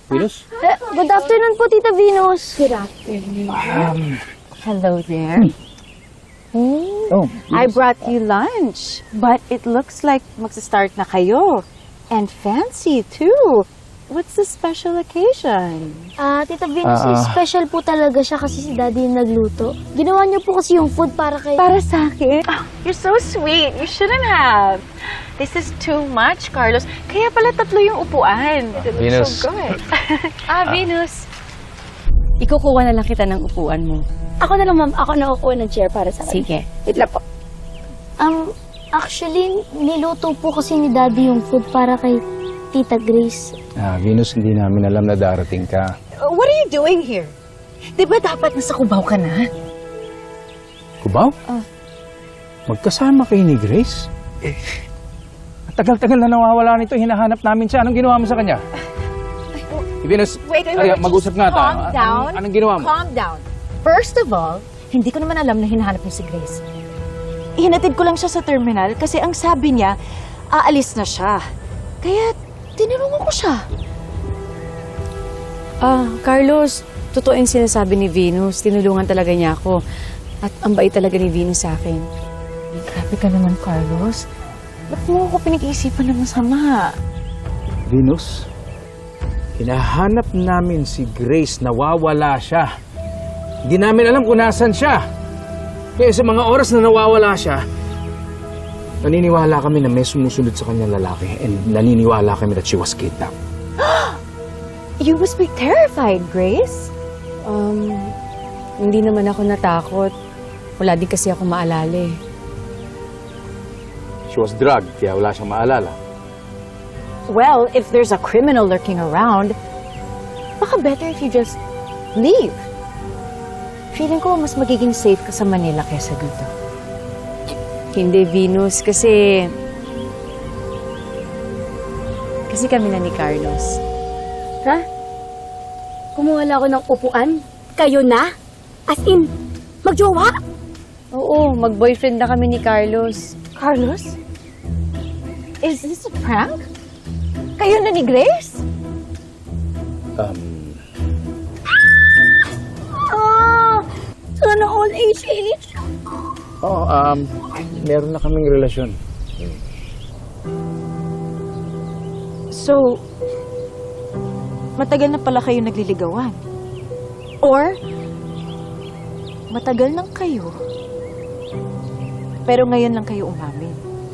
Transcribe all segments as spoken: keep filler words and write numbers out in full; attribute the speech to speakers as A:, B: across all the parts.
A: Venus?
B: Eh, good afternoon po, Tita Venus.
C: Good afternoon.
A: Um,
C: Hello there. Hmm.
A: oh,
C: I brought you lunch, but it looks like magsa-start na kayo. And fancy, too. What's the special occasion?
B: Ah, Tita Venus,
A: Ah, ah.
B: special po talaga siya kasi si Daddy yung nagluto. Ginawa niyo po kasi yung food para kay...
C: Para sa akin? Oh, you're so sweet. You shouldn't have. This is too much, Carlos. Kaya pala tatlo yung upuan. It looks
A: Venus.
C: so good. ah, Venus. Ikukuha na lang kita ng upuan mo.
B: Ako na lang, ma'am. Ako na kukuha ng chair para sa kanya.
C: Sige. Wait lang po.
B: Um, actually, niluto po kasi ni Daddy yung food para kay Tita Grace.
A: Ah, Venus, hindi namin alam na darating ka.
C: Uh, what are you doing here? Di ba dapat nasa Cubao ka na?
A: Kubaw?
C: Ah.
A: Magkasama kayo ni Grace? Eh, tagal-tagal na nawawala nito. Hinahanap namin siya. Anong ginawa mo sa kanya? Venus,
C: Wait, wait,
A: ay,
C: wait.
A: mag-usap nga tayo.
C: Calm down.
A: Anong, anong ginawa mo?
C: Calm down. First of all, hindi ko naman alam na hinahanap niyo si Grace. Ihinatid ko lang siya sa terminal kasi ang sabi niya, aalis na siya. Kaya tinanungan ko siya.
D: Ah, Carlos, totoo yung sinasabi ni Venus. Tinulungan talaga niya ako. At ang bait talaga ni Venus sa akin.
C: Grabe ka naman, Carlos. Ba't mo ako pinag-iisipan ng masama?
A: Venus, hinahanap namin si Grace. Nawawala siya. Hindi namin alam kung nasan siya. Kaya sa mga oras na nawawala siya, naniniwala kami na may sumusunod sa kanyang lalaki and naniniwala kami that she was kidnapped.
C: You must be terrified, Grace.
D: Um, hindi naman ako natakot. Wala din kasi ako maalala eh.
A: She was drugged, kaya wala siyang maalala.
C: Well, if there's a criminal lurking around, baka better if you just leave. Feeling ko mas magiging safe ka sa Manila kaysa dito.
D: Hindi, Venus, kasi... Kasi kami na ni Carlos.
B: Ha? Kumuha lang ako ng upuan? Kayo na? As in, magjowa?
D: Oo, mag-boyfriend na kami ni Carlos.
C: Carlos? Is this a prank? Kayo na ni Grace?
A: Um,
B: Ah! Sana all age age.
A: oh, um, meron na kaming relasyon.
C: So, matagal na pala kayo nagliligawan? Or, matagal nang kayo, pero ngayon lang kayo umamin?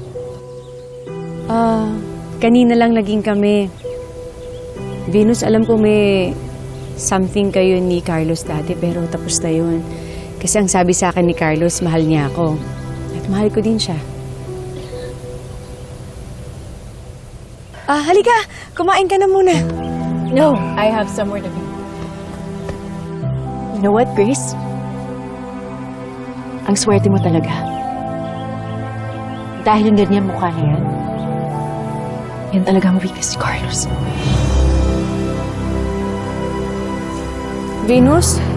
D: Ah, kanina lang naging kami. Venus, alam ko may something kayo ni Carlos dati, pero tapos na yun. Kasi ang sabi sa akin ni Carlos, mahal niya ako. At mahal ko din siya. Ah, halika! Kumain ka na muna.
C: No, I have somewhere to be. You know what, Grace? Ang swerte mo talaga. Dahil yung ganyan mukha na yan, yan talaga ang weakness ni Carlos.
D: Venus,